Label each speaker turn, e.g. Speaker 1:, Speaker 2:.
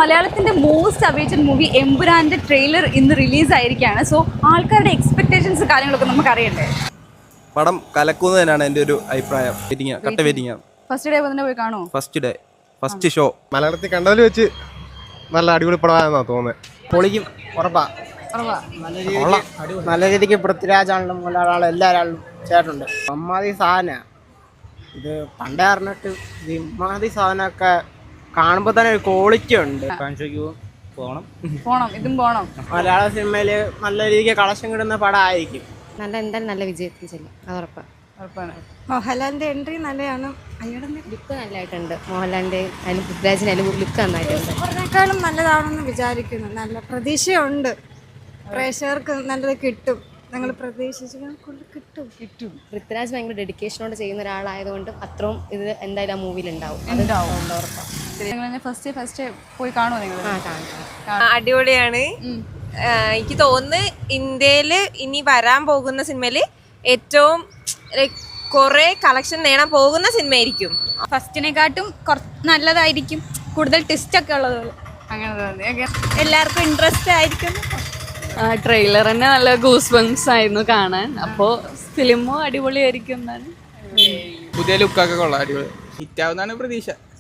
Speaker 1: മലയാളത്തിന്റെ most awaited movie എമ്പുരാന്റെ trailer ഇന്ന് റിലീസ് ആയിരിക്കുകയാണ്. സോ ആൾക്കാരുടെ എക്സ്പെക്ടേഷൻസ് കാര്യങ്ങളൊക്കെ നമുക്ക് അറിയണ്ടേ?
Speaker 2: പടം കലക്കുന്നതിനാണ് എൻ്റെ ഒരു അഭിപ്രായം. കട്ട വെയിറ്റിംഗ്.
Speaker 1: ഫസ്റ്റ് ഡേ തന്നെ പോയി കാണോ?
Speaker 2: ഫസ്റ്റ് ഡേ ഫസ്റ്റ് ഷോ
Speaker 3: മലയാളത്തിൽ കണ്ടതിൽ വെച്ച് നല്ല അടിപൊളി പടമാണെന്നാണ് തോന്നുന്നത്.
Speaker 4: പൊളിക്കും, ഉറപ്പാ. നല്ല രീതിക്ക് പൃഥ്വിരാജാണെങ്കിലും മോഹൻലാലും എല്ലാവരും ചേട്ടുണ്ട്. അമ്മാതി സാധന ഇത് പണ്ടേ അറിഞ്ഞിട്ട് ഇത് ഇമ്മാതി സാധനമൊക്കെ കാണുമ്പോൾ തന്നെ ഒരു ക്വാളിറ്റി ഉണ്ട്.
Speaker 1: പോണം, ഇതും പോണം.
Speaker 4: മലയാള സിനിമയിൽ നല്ല രീതിക്ക് കളക്ഷൻ കിട്ടുന്ന പടമായിരിക്കും.
Speaker 5: എന്തായാലും നല്ല വിജയത്തിൽ ചെല്ലും, അത് ഉറപ്പാണ്.
Speaker 6: മോഹൻലാലിന്റെ എൻട്രി നല്ലതാണ്.
Speaker 5: ലുക്ക് നല്ലതായിട്ടുണ്ട്. മോഹൻലാലിന്റെ അതിന് പൃഥ്വിരാജിനായാലും ലുക്ക് നന്നായിട്ടുണ്ട്.
Speaker 6: അതിനേക്കാളും നല്ലതാണെന്ന് വിചാരിക്കുന്നു. നല്ല പ്രതീക്ഷയുണ്ട്. പ്രേക്ഷകർക്ക് നല്ലത് കിട്ടും. ഞങ്ങൾ കിട്ടും.
Speaker 5: പൃഥ്വിരാജ് ഭയങ്കര ഡെഡിക്കേഷനോടെ ചെയ്യുന്ന ഒരാളായതുകൊണ്ട് അത്രയും ഇത് എന്തായാലും ആ മൂവിയിൽ ഉണ്ടാവും.
Speaker 1: ഫസ്റ്റ് പോയി കാണുമോ നിങ്ങൾ?
Speaker 7: അടിപൊളിയാണ്. എനിക്ക് തോന്നുന്നു ഇന്ത്യയിൽ ഇനി വരാൻ പോകുന്ന സിനിമയില് ഏറ്റവും കുറെ കളക്ഷൻ നേടാൻ പോകുന്ന സിനിമയായിരിക്കും.
Speaker 8: ഫസ്റ്റിനെക്കാട്ടും നല്ലതായിരിക്കും, കൂടുതൽ ട്വിസ്റ്റ് ഒക്കെ ഉള്ളത്.
Speaker 1: അങ്ങനെ തോന്നി.
Speaker 8: എല്ലാവർക്കും ഇൻട്രസ്റ്റ് ആയിരിക്കും.
Speaker 9: ട്രെയിലർ തന്നെ നല്ല ഗൂസ് ബംസ് ആയിരുന്നു കാണാൻ. അപ്പോൾ ഫിലിമും അടിപൊളിയായിരിക്കും എന്നാണ്.
Speaker 10: പുതിയ ലുക്കൊക്കെ കൊള്ളാം, അടിപൊളി ഹിറ്റാവുന്നതാണ് പ്രതീക്ഷ.